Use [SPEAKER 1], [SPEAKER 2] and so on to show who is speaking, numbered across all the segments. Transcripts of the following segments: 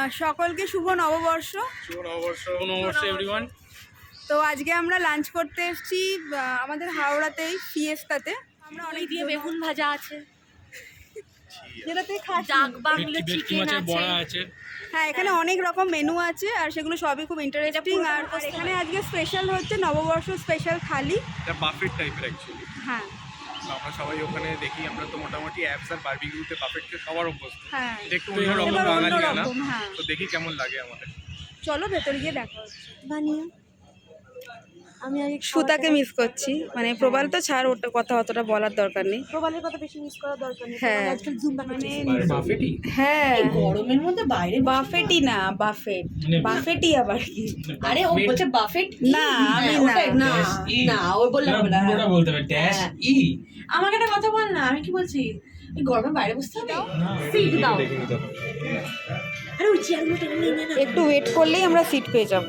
[SPEAKER 1] সকলকে শুভ নববর্ষ।
[SPEAKER 2] শুভ নববর্ষ। শুভ নববর্ষ এভরিওয়ান।
[SPEAKER 1] তো আজকে আমরা লাঞ্চ করতে এসেছি আমাদের হাওড়াতেই ফিয়েস্তাতে। আমরা অনেক
[SPEAKER 3] দিয়ে বেগুন ভাজা আছে,
[SPEAKER 1] যেটাতে খাচ্ছি
[SPEAKER 3] ডাক বাংলো চিকেন
[SPEAKER 2] আছে।
[SPEAKER 1] হ্যাঁ, এখানে অনেক রকম মেনু আছে আর সেগুলো সবই খুব ইন্টারেস্টিং। আর এখানে আজকে স্পেশাল হচ্ছে নববর্ষ স্পেশাল থালি,
[SPEAKER 2] এটা বাফেট টাইপের অ্যাকচুয়ালি।
[SPEAKER 1] হ্যাঁ
[SPEAKER 2] আমরা সবাই ওখানে দেখি, আমরা তো মোটামুটি অ্যাপস আর বারবিকিউতে বাফেটকে সবার অভ্যস্ত।
[SPEAKER 1] হ্যাঁ,
[SPEAKER 2] এটা একটু অন্যরকম
[SPEAKER 1] এবার
[SPEAKER 2] বাঙালিয়ানা,
[SPEAKER 1] অন্যরকম, হ্যাঁ।
[SPEAKER 2] তো দেখি কেমন লাগে আমাদের।
[SPEAKER 1] চলো ভেতরে গিয়ে দেখা হচ্ছে।
[SPEAKER 3] বানিয়ে আমি আগে
[SPEAKER 1] সুতাকে মিস করছি, মানে প্রবাল তো ছাড়, ওটা কথা অতটা বলার দরকার নেই।
[SPEAKER 3] প্রবালের কথা বেশি মিস করার দরকার নেই।
[SPEAKER 1] হ্যাঁ।
[SPEAKER 3] আজকাল জুম্বা
[SPEAKER 1] মানে
[SPEAKER 2] বাফেটই
[SPEAKER 1] হ্যাঁ,
[SPEAKER 3] গরমের মধ্যে বাইরে
[SPEAKER 1] বাফেটই না, বাফেট বাফেটই আবার কি?
[SPEAKER 3] আরে ও বলছে বাফেট
[SPEAKER 1] না, আমি না।
[SPEAKER 3] না ও বললে হবে না।
[SPEAKER 4] পুরোটা বলতে হবে ড্যাশ ই।
[SPEAKER 3] আমাকে একটা কথা বল না, আমি কি বলছি, এই গরমে বাইরে বসতে হবে? সিট দাও। আরে ওই চেয়ারগুলো টেনে নিয়ে নে না।
[SPEAKER 1] একটু ওয়েট করলেই আমরা সিট পেয়ে যাব।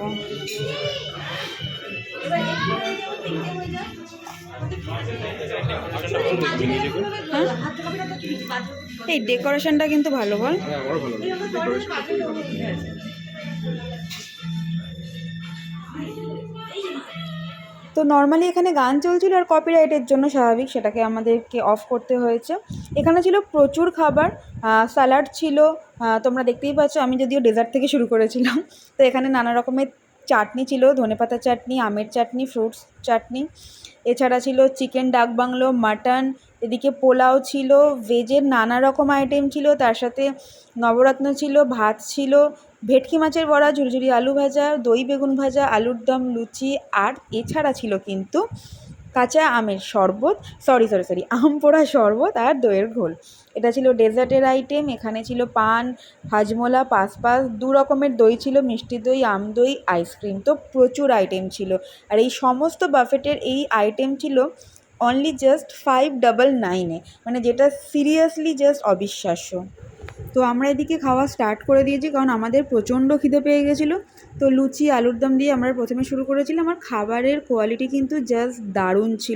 [SPEAKER 1] এই ডেকোরেশনটা কিন্তু ভালো, বল।
[SPEAKER 2] আমারও ভালো লাগে।
[SPEAKER 1] তো নর্মালি এখানে গান চলছিল আর কপিরাইটের জন্য স্বাভাবিক সেটাকে আমাদেরকে অফ করতে হয়েছে। এখানে ছিল প্রচুর খাবার, স্যালাড ছিল, তোমরা দেখতেই পাচ্ছ। আমি যদিও ডেজার্ট থেকে শুরু করেছিলাম। তো এখানে নানা রকমের চাটনি ছিল, ধনেপাতা চাটনি, আমের চাটনি, ফ্রুটস চাটনি। এছাড়া ছিল চিকেন ডাক বাংলো, মাটন, এদিকে পোলাও ছিল, ভেজের নানা রকম আইটেম ছিল, তার সাথে নবরত্ন ছিল, ভাত ছিল, ভেটকি মাছের বড়া, ঝুরঝুরি আলু ভাজা, দই বেগুন ভাজা, আলুর দম, লুচি। আর এছাড়া ছিল কিন্তু কাঁচা আমের শরবত, সরি আম পোড়া শরবত আর দইয়ের ঘোল। এটা ছিল ডেজার্টের আইটেম। এখানে ছিল পান, হাজমোলা, পাসপাস, দু রকমের দই ছিল, মিষ্টি দই, আম দই, আইসক্রিম। তো প্রচুর আইটেম ছিল। আর এই সমস্ত বাফেটের এই আইটেম ছিল অনলি জাস্ট 599-এ, মানে যেটা সিরিয়াসলি জাস্ট অবিশ্বাস্য। তো আমরা এদিকে খাওয়া স্টার্ট করে দিয়েছি, কারণ আমাদের প্রচণ্ড খিদে পেয়ে গেছিলো। তো লুচি আলুর দম দিয়ে আমরা প্রথমে শুরু করেছিলাম। আর খাবারের কোয়ালিটি কিন্তু জাস্ট দারুণ ছিল।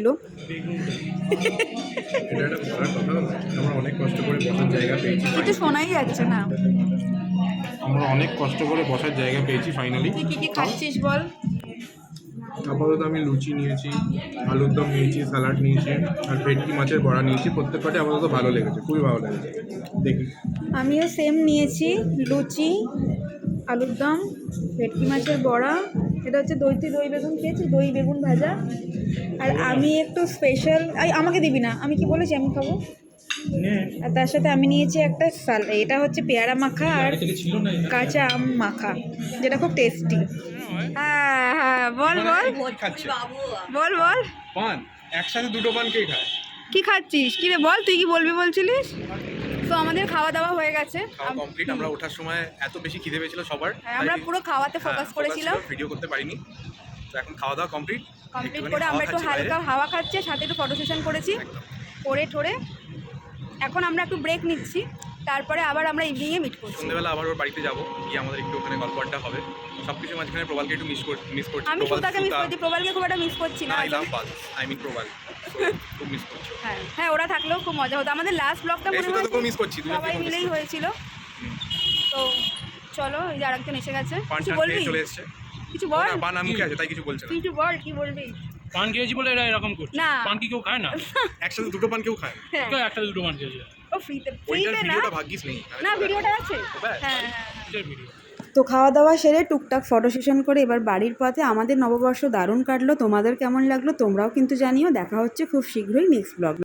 [SPEAKER 2] এটা একটা ভালো কথা, আমরা অনেক কষ্ট করে বসার জায়গা পেয়েছি।
[SPEAKER 1] কিছু শোনাই যাচ্ছে না।
[SPEAKER 2] আমরা অনেক কষ্ট করে বসার জায়গা পেয়েছি ফাইনালি।
[SPEAKER 1] তুই কী কী খাচ্ছিস বল?
[SPEAKER 2] আপাতত আমি লুচি নিয়েছি, আলুর দম নিয়েছি, স্যালাড নিয়েছি আর ভেটকি মাছের বড়া নিয়েছি। প্রত্যেকটাই আপাতত ভালো লেগেছে, খুবই ভালো লেগেছে। দেখি,
[SPEAKER 1] আমিও সেম নিয়েছি, লুচি, আলুর দম, ভেটকি মাছের বড়া, এটা হচ্ছে দই বেগুন খেয়েছি, দই বেগুন ভাজা। আর আমি একটু স্পেশাল, আমাকে দিবি না, আমি কি বলেছি আমি খাবো। আর তার সাথে আমি নিয়েছি একটা এটা হচ্ছে পেয়ারা মাখা আর কাঁচা আম মাখা, যেটা খুব টেস্টি। হ্যাঁ হ্যাঁ, বল
[SPEAKER 2] খাচ্ছে
[SPEAKER 1] বল
[SPEAKER 2] পান, একসাথে দুটো পান কে খায়?
[SPEAKER 1] কি খাচ্ছিস? কি রে বল, তুই কি বলবি বলছিলিস? তো আমাদের খাওয়া দাওয়া হয়ে গেছে,
[SPEAKER 2] খাওয়া কমপ্লিট। আমরা ওঠার সময় এত বেশি খিদে পেয়েছিল সবার,
[SPEAKER 1] আমরা পুরো খাওয়াতে ফোকাস করেছিলাম,
[SPEAKER 2] ভিডিও করতে পারিনি। তো এখন খাওয়া দাওয়া কমপ্লিট
[SPEAKER 1] করে আমরা একটু হালকা হাওয়া খাচ্ছি, সাথে একটু ফটো সেশন করেছি করে ঠোরে। এখন আমরা একটু ব্রেক নিচ্ছি, তারপরে আবার আমরা ইভিনিংয়ে মিট করছি।
[SPEAKER 2] সন্ধ্যেবেলা আবার ওর বাড়িতে যাবো, গিয়ে আমাদের একটু ওখানে গল্প আড্ডা হবে। সব কিছু মাঝখানে প্রবালকে একটু মিস করছি।
[SPEAKER 1] আমি সুতাকে মিস করছি, প্রবালকে খুব একটা মিস করছি না।
[SPEAKER 2] I love Pal, I mean প্রবাল, খুব মিস করছি।
[SPEAKER 1] হ্যাঁ, ওরা থাকলেও খুব মজা হতো। আমাদের লাস্ট ব্লগটা মনে হয়
[SPEAKER 2] সুতাকে মিস করছি,
[SPEAKER 1] সবাই মিলেই হয়েছিল। তো চলো, এই যে আরেকজন এসে গেছে, কিছু
[SPEAKER 2] পান
[SPEAKER 1] বলবি?
[SPEAKER 2] চলে এসেছে,
[SPEAKER 1] কিছু বল।
[SPEAKER 2] পান মুখে আছে তাই কিছু বলছে না।
[SPEAKER 1] কিছু বল, কি বলবি?
[SPEAKER 4] পান খেয়েছি বলে এরা এরকম করছে।
[SPEAKER 1] না,
[SPEAKER 4] পান কি কেউ খায় না?
[SPEAKER 2] একসাথে দুটো পান কেউ খায় না।
[SPEAKER 4] কেউ একটা দুটো পান খেয়েছে।
[SPEAKER 1] ও ফ্রিতে
[SPEAKER 2] ওইটার
[SPEAKER 1] না,
[SPEAKER 2] ভিডিওটা ভাগ্যিস নেই।
[SPEAKER 1] না ভিডিওটা আছে। হ্যাঁ।
[SPEAKER 4] কিসের ভিডিও?
[SPEAKER 1] তো খাওয়া দাওয়া সেরে টুকটাক ফটো সেশন করে এবার বাড়ির পথে। আমাদের নববর্ষ দারুণ কাটলো। তোমাদের কেমন লাগলো তোমরাও কিন্তু জানিও। দেখা হচ্ছে খুব শীঘ্রই নেক্সট ব্লগ।